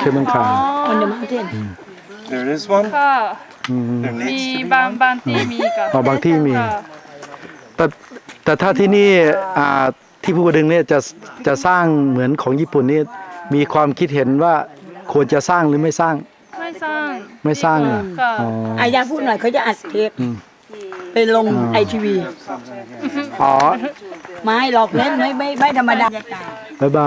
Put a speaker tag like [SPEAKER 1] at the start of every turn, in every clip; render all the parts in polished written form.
[SPEAKER 1] cable car
[SPEAKER 2] on the mountain
[SPEAKER 3] There is one.
[SPEAKER 4] ค่ะ
[SPEAKER 3] There
[SPEAKER 4] มี
[SPEAKER 3] needs to be
[SPEAKER 4] บางที่มีค่ะ
[SPEAKER 1] อ๋อบางที่มี
[SPEAKER 4] ค่ะ
[SPEAKER 1] แต่ถ้าที่นี่ที่ภูกระดึงเนี่ยจะสร้างเหมือนของญี่ปุ่นนี่มีความคิดเห็นว่าควรจะสร้างหรือไม่สร้าง
[SPEAKER 4] ไม่สร้าง
[SPEAKER 1] ไม่สร้างเหรอ
[SPEAKER 4] ค่ะ
[SPEAKER 1] อ๋อ
[SPEAKER 2] อายาพูดหน่อยเขาจะอัดเทปไปลงไอทีวี
[SPEAKER 1] อ๋อ
[SPEAKER 2] ไม่หลอกเล่นไม่ธรรมดา
[SPEAKER 1] บ๊ายบาย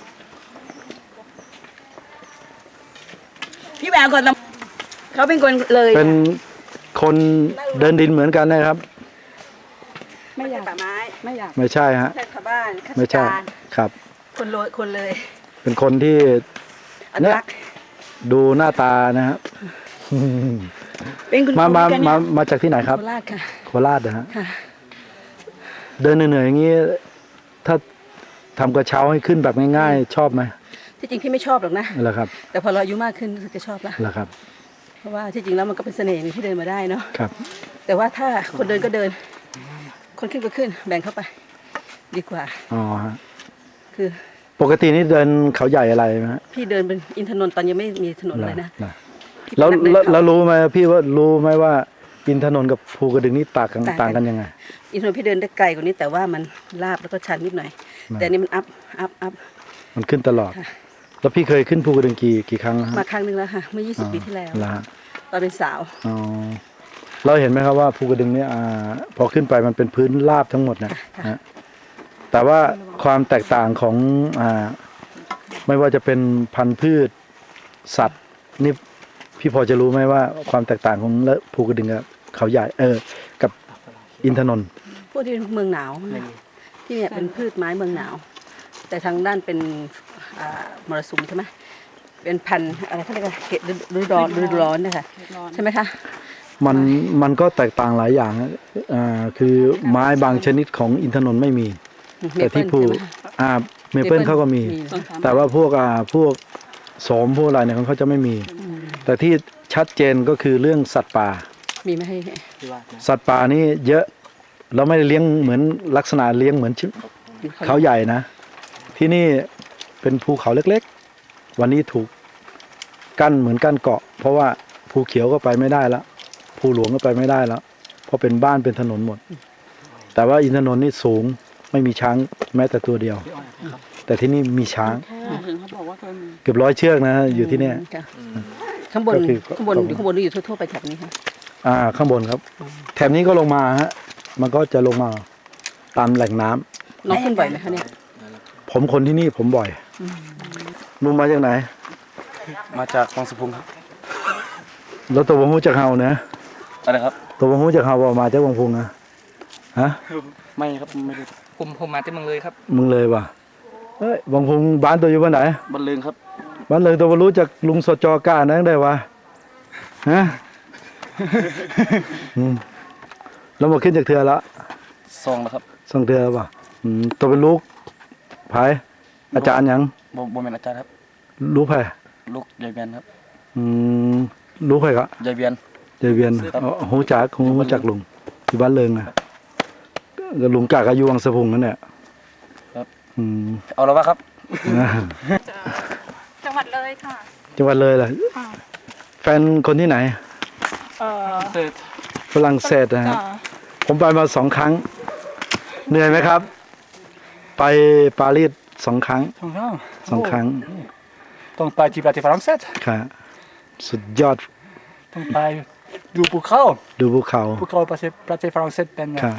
[SPEAKER 2] พี่แหววก่อนเขาเป็นคนเลย
[SPEAKER 1] เป็นคนเดินดินเหมือนกันนะครับ
[SPEAKER 2] ไม่อยากป่าไม้ไม่อยาก
[SPEAKER 1] ไม่ใช่ฮะ
[SPEAKER 2] แค่ชาวบ้านข้ารา
[SPEAKER 1] ไม่
[SPEAKER 2] ช
[SPEAKER 1] ใช่
[SPEAKER 2] การ
[SPEAKER 1] ครับ
[SPEAKER 2] คนเลย
[SPEAKER 1] เป็นคนที่
[SPEAKER 2] อนุรักษ์
[SPEAKER 1] ดูหน้าตานะครับ
[SPEAKER 2] เป็นคุณครู
[SPEAKER 1] มา
[SPEAKER 2] กันเนี่ย
[SPEAKER 1] มาจากที่ไหนครับ
[SPEAKER 2] โคราชค่ะ
[SPEAKER 1] โคราชนะฮะ
[SPEAKER 2] ค่ะ
[SPEAKER 1] เดินเหนื่อยๆอย่างนี้ ถ้าทำกระเช้าให้ขึ้นแบบง่ายๆ ชอบไหม
[SPEAKER 2] ที่จริงพี่ไม่ชอบหรอกนะ
[SPEAKER 1] เหรอครับ
[SPEAKER 2] แต่พอเราอายุมากขึ้นรู้สึกจะชอบละ
[SPEAKER 1] เหรอครับ
[SPEAKER 2] เพราะว่าที่จริงแล้วมันก็เป็นเสน่ห์หนึ่งที่เดินมาได้เนาะ
[SPEAKER 1] ครับ
[SPEAKER 2] แต่ว่าถ้าคนเดินก็เดิน คนขึ้นก็ขึ้น แบ่งเข้าไป ดีกว่า
[SPEAKER 1] อ๋อฮะ
[SPEAKER 2] คือ
[SPEAKER 1] ปกตินี่เดินเขาใหญ่อะไรไหมฮะ
[SPEAKER 2] พี่เดินเป็นอินทนนท์ตอนยังไม่มีถนนเลยนะ
[SPEAKER 1] เหรอแล้วรู้ไหมพี่ว่ารู้ไหมว่าอินทนนท์กับภูกระดึงนี่ต่างกันยังไง
[SPEAKER 2] อินทนนท์พี่เดินได้ไกลกว่านี้แต่ว่ามันลาบแล้วก็ชันนิดหน่อย แต่อันนี่มันอัพ
[SPEAKER 1] มันขึ้นตลอด
[SPEAKER 2] ค่ะ
[SPEAKER 1] แล้วพี่เคยขึ้นภูกระดึงกี่ครั้งแล้วฮะ
[SPEAKER 2] มาครั้งหนึ่งแล้วค่ะ เมื่อ 20 ปีที่แล้ว
[SPEAKER 1] เหรอฮะ
[SPEAKER 2] ตอนเป็นสาว
[SPEAKER 1] อ๋อเราเห็นไหมครับว่าภูกระดึงเนี่ยพอขึ้นไปมันเป็นพื้นราบทั้งหมดนะฮะแต่ว่าความแตกต่างของไม่ว่าจะเป็นพันธุ์พืชสัตว์นี่พี่พอจะรู้ไหมว่าความแตกต่างของภูกระดึงกับเขาใหญ่กับอินทนนท์
[SPEAKER 2] พวกที่เป็นเมืองหนาวที่เนี่ยเป็นพืชไม้เมืองหนาว แต่ทางด้านเป็นมรสุมใช่ไหมเป็นพันธุ์อะไรเขาเรียกว่าเขตฤดูร้อนนะคะใช่ไหมคะ
[SPEAKER 1] มันก็แตกต่างหลายอย่างนะคือไม้บางชนิดของอินทนนท์ไม่มี แต่ที่ภูเมเปิลเขาก็มี แต่ว่าพวกโสมพวกอะไรเนี่ยเขาจะไม่มี แต่ที่ชัดเจนก็คือเรื่องสัตว์ป่า
[SPEAKER 2] มีไม่ให้
[SPEAKER 1] สัตว์ป่านี่เยอะเราไม่ได้เลี้ยงเหมือนลักษณะเลี้ยงเหมือนเขาใหญ่นะ ที่นี่เป็นภูเขาเล็กๆ วันนี้ถูกกั้นเหมือนกั้นเกาะ เพราะว่าภูเขียวก็ไปไม่ได้แล้วภูหลวงก็ไปไม่ได้แล้วเพราะเป็นบ้านเป็นถนนหมด แต่ว่าอินทนนท์นี่สูงไม่มีช้างแม้แต่ตัวเดียว แต่ที่นี่มีช้างเกือบ100 เชือกนะอยู่ที่เนี่ย
[SPEAKER 2] ข้างบน
[SPEAKER 1] ก็คือ
[SPEAKER 2] ข้างบนอยู่ทั่วๆไปแถบนี้ค่ะ
[SPEAKER 1] ข้างบนครับ แถบนี้ก็ลงมาฮะมันก็จะลงมาตามแหล่งน้ำ
[SPEAKER 2] น้องขึ้นบ่อยไหมคะเนี่ย
[SPEAKER 1] ผมคนที่นี่ผมบ่อยลุงมาจากไหน
[SPEAKER 3] มาจากวังสุพรรณครับ
[SPEAKER 1] แล้วตัวผมหูจากเฮานะ
[SPEAKER 3] อะไรครับ
[SPEAKER 1] ตัวผมหูจากเฮาว่ามาจากวังพุงนะฮะ
[SPEAKER 3] ไม่ครับไม่ได้
[SPEAKER 5] ผมมาที่เมืองเลยครับ
[SPEAKER 1] มึงเลยว่ะเฮ้ยวังพุงบ้านตัวอยู่บ้านไหน
[SPEAKER 3] บันเลิงครับ
[SPEAKER 1] บ้านเลยตัวบ่รู้จากลุงสจก้านั่งได้วะฮะ แล้วมาขึ้นจากเทือละ
[SPEAKER 3] ซองแล้วครับ
[SPEAKER 1] ส่งเทือป่ะตัวเป็นลูกไผอาจารย์หยัง
[SPEAKER 3] บ่แม่นอาจารย์ครับ
[SPEAKER 1] ลูกไผ
[SPEAKER 3] ลูกยายเบียนครับ
[SPEAKER 1] ลูกไผก็
[SPEAKER 3] ยายเบียน
[SPEAKER 1] เจเวียนหูจักลุงที่บ้านเลิงอ่ะก็ลุงกากอายุวังสะพุงนั่นแหละ
[SPEAKER 3] ครับ
[SPEAKER 1] อืม
[SPEAKER 3] เอาแล้ววะครับ
[SPEAKER 4] จังหวัดเลยค่ะ
[SPEAKER 1] จังหวัดเลยล่ะ
[SPEAKER 4] ค่ะ
[SPEAKER 1] แฟนคนที่ไหน
[SPEAKER 5] เสร็จ
[SPEAKER 1] ฝรั่งเศสนะฮะ
[SPEAKER 4] จ้ะ
[SPEAKER 1] ผมไปมา2 ครั้ง เหนื่อยไหมครับ ไปปารีส2 ครั้ง 2 ครั้ง
[SPEAKER 5] ต้องไปที่ประเทศฝรั่งเศส
[SPEAKER 1] ค่ะสุดยอด
[SPEAKER 5] ต้องไปดูภูเขา
[SPEAKER 1] ดูภูเขา
[SPEAKER 5] ประเทศฝรั่งเศสเป็นไง
[SPEAKER 1] ค่ะ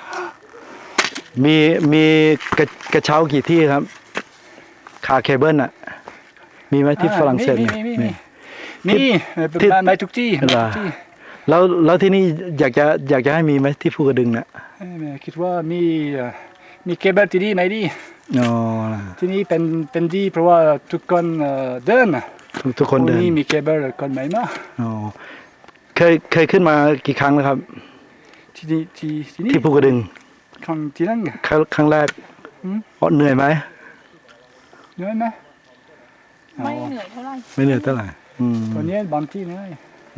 [SPEAKER 1] มีกระเช้ากี่ที่ครับ คาเคเบิลอ่ะ มีไหมที่ฝรั่งเศสเนี่ย
[SPEAKER 5] มีไม่ทุกที่
[SPEAKER 1] เหรอ แล้วที่นี่อยากจะให้มีไหมที่ภูกระดึงน่ะ
[SPEAKER 5] คิดว่ามีเคเบิลที่ดีไหมดี
[SPEAKER 1] อ๋อ
[SPEAKER 5] ที่นี่เป็นดีเพราะว่าทุกคนเดิน
[SPEAKER 1] ทุกคนเดิน
[SPEAKER 5] นี่มีเคเบิลคนไหมมา
[SPEAKER 1] อ๋อเคยขึ้นมากี่ครั้งแล้วครับ
[SPEAKER 5] ที่นี่
[SPEAKER 1] ที่ภูกระดึง
[SPEAKER 5] ครั้งที่นั่น
[SPEAKER 1] ครั้งแรกเหนื่อยไหม
[SPEAKER 5] เหนื่อยไหม
[SPEAKER 4] ไม่เหนื่อยเท่าไหร่
[SPEAKER 1] ไม่เหนื่อยเท่าไหร่
[SPEAKER 5] ตอนนี้บางที่เหนื่อย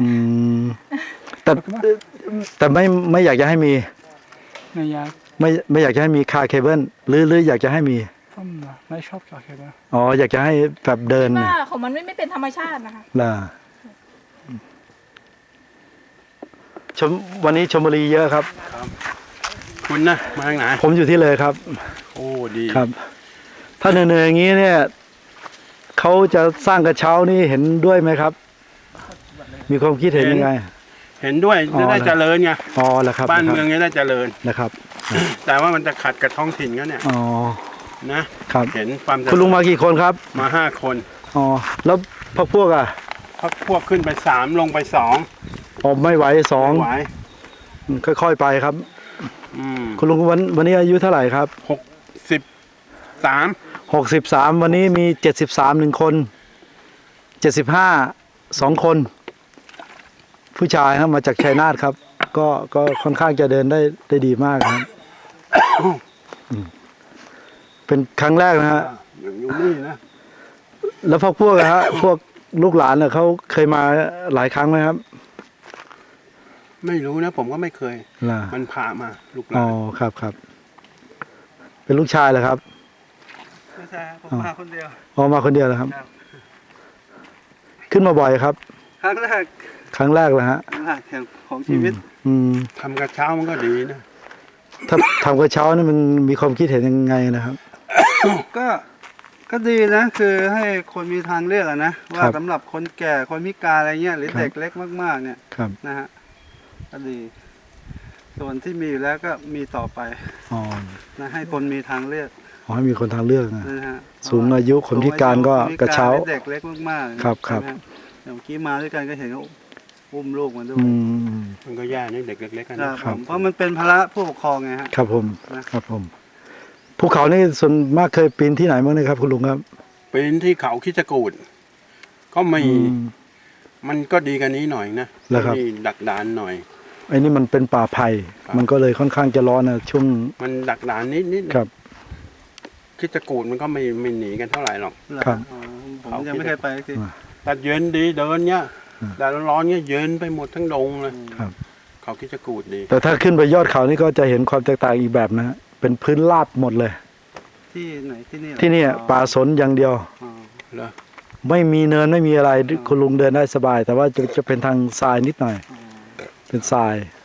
[SPEAKER 1] แต่ไม่อยากจะให้มี
[SPEAKER 5] ไม่อยาก
[SPEAKER 1] ไม่อยากจะให้มีคาเคเบิลหรืออยากจะให้มี
[SPEAKER 5] ฝไม่ชอบจากนะ
[SPEAKER 1] อ๋ออยากจะให้แบบเดิน
[SPEAKER 4] ว่า
[SPEAKER 1] น่ะ
[SPEAKER 4] ของมันไม่เป็นธรรมชาตินะคะ
[SPEAKER 1] ล่ะวันนี้ชมบุรีเยอะครับ
[SPEAKER 6] คุณนะมาทางไหน
[SPEAKER 1] ผมอยู่ที่เลยครับ
[SPEAKER 6] โอ้ดี
[SPEAKER 1] ครับ ถ้าเหนื่อยๆอย่างนี้เนี่ยเขาจะสร้างกระเช้านี่เห็นด้วยไหมครับ มีความคิดเห็นยังไง
[SPEAKER 6] เห็นด้วย
[SPEAKER 1] อ๋อ
[SPEAKER 6] จะได้เจริญไง
[SPEAKER 1] อ๋อแล้วครับ
[SPEAKER 6] บ้านเมืองจะได้เจริญ
[SPEAKER 1] นะครับ
[SPEAKER 6] แต่ว่ามันจะขัดกับท้องถิ่นเขาเนี่ย
[SPEAKER 1] อ๋อ
[SPEAKER 6] นะครับ เห็นความเจริญ
[SPEAKER 1] คุณลุงมากี่คนครับ
[SPEAKER 6] มา5 คน
[SPEAKER 1] อ๋อแล้วพวกอ่ะ
[SPEAKER 6] พวกขึ้นไป3ลงไป2
[SPEAKER 1] อ๋อไม่ไหวสอง
[SPEAKER 6] ไหว
[SPEAKER 1] ค่อยๆไปครับ
[SPEAKER 6] อืม
[SPEAKER 1] คุณลุงวันนี้อายุเท่าไหร่ครับ
[SPEAKER 6] 63
[SPEAKER 1] 63วันนี้มี73 1คน75 2 คน ผู้ชายครับมาจากชัยนาทครับ ก็ค่อนข้างจะเดินได้ดีมากครับเป็นครั้งแรกนะฮะ
[SPEAKER 6] อย่างอยู่นี่นะ
[SPEAKER 1] แล้วพวกอะฮะพวกลูกหลานเนี่ยเขาเคยมาหลายครั้งไหมครับ
[SPEAKER 6] ไม่รู้นะ ผมก็ไม่เคย
[SPEAKER 1] ล่ะ
[SPEAKER 6] มันพามาลูกห
[SPEAKER 1] อ๋
[SPEAKER 6] ลา
[SPEAKER 1] อน ครับเป็นลูกชายเหรอครับ
[SPEAKER 5] ไม่ใช่ผมมาคนเดียว
[SPEAKER 1] อ๋อมาคนเดียวเหรอครับ
[SPEAKER 5] ครับ
[SPEAKER 1] ขึ้นมาบ่อยครับ
[SPEAKER 5] ครั้งแรก
[SPEAKER 1] ครั้งแรกเลยฮะ
[SPEAKER 5] ของชีวิต
[SPEAKER 1] อืม
[SPEAKER 6] ทำกระเช้ามันก็ดีนะ
[SPEAKER 1] ถ้าทำกระเช้านี่มันมีความคิดเห็นยังไงนะครับ
[SPEAKER 5] ก็ดีนะคือให้คนมีทางเลือกอะนะ
[SPEAKER 1] ครั
[SPEAKER 5] ว่า
[SPEAKER 1] บ
[SPEAKER 5] สำหรับคนแก่คนพิการอะไรเงี้ยหรือ
[SPEAKER 1] ครับ
[SPEAKER 5] เด็กเล็กมากๆเนี่ย
[SPEAKER 1] ครับ
[SPEAKER 5] นะฮะก็ดี ส่วนที่มีอยู่แล้วก็มีต่อไป
[SPEAKER 1] อ๋อ
[SPEAKER 5] นะให้คนมีทางเลือก
[SPEAKER 1] ขอให้มีคนทางเลือกนะ
[SPEAKER 5] นะฮะ
[SPEAKER 1] สูงอายุคนพิการก็
[SPEAKER 5] คนพิ
[SPEAKER 1] กระเช้า
[SPEAKER 5] หอเด็กเล็กมากๆ
[SPEAKER 1] ครับครับ
[SPEAKER 5] ใช่ไหมฮะอย่างเมื่อกี้มาด้วยกันก็เห็นเขาอุ้มลูกมาด้วย
[SPEAKER 1] อืม
[SPEAKER 6] มันก็แย่นะเด็กเล็กๆกัน
[SPEAKER 5] ครั
[SPEAKER 6] นะ
[SPEAKER 5] บ
[SPEAKER 1] ครั
[SPEAKER 5] ผ
[SPEAKER 1] บ
[SPEAKER 5] มเพราะมันเป็นภาระผู้ปกครองไงฮะ
[SPEAKER 1] ครับผม
[SPEAKER 5] นะ
[SPEAKER 1] ครับผมภูเขานี่ส่วนมากเคยปีนที่ไหนบ้างนะครับ คุณลุงครับ
[SPEAKER 6] เป็นที่เขาคิดจกูดก็ไม่
[SPEAKER 1] อืม
[SPEAKER 6] มันก็ดีกันนี้หน่อยนะ
[SPEAKER 1] แล้วครับ
[SPEAKER 6] นี่ดักดานหน่อย
[SPEAKER 1] ไอ้นี่มันเป็นป่าไผ่
[SPEAKER 6] ครับ
[SPEAKER 1] มันก็เลยค่อนข้างจะร้อนนะช่วง
[SPEAKER 6] มันดักดานนิดๆ
[SPEAKER 1] ครับ
[SPEAKER 6] คิดจกูดมันก็ไม่หนีกันเท่าไหร่หรอก
[SPEAKER 1] ครับ
[SPEAKER 5] อ๋อผมยังไม่เคยไปสักที
[SPEAKER 6] แต่เย็นดีเดินเนี้ย
[SPEAKER 1] อืม
[SPEAKER 6] แต่ร้อนๆเนี้ยเย็นไปหมดทั้งดงเลย
[SPEAKER 1] ครับ
[SPEAKER 6] เขาคิดจกูดดี
[SPEAKER 1] แต่ถ้าขึ้นไปยอดเขานี่ก็จะเห็นความแตกต่างอีกแบบนะฮะเป็นพื้นราบหมดเลย
[SPEAKER 5] ที่ไหนที่นี่เหรอ
[SPEAKER 1] ที่นี่ป่าสนอย่างเดียว
[SPEAKER 5] อ๋อ
[SPEAKER 6] เหรอ
[SPEAKER 1] ไม่มีเนินไม่มีอะไรคุณลุงเดินได้สบาย แต่ว่าจะเป็นทางทรายนิดหน่อย เป็นทราย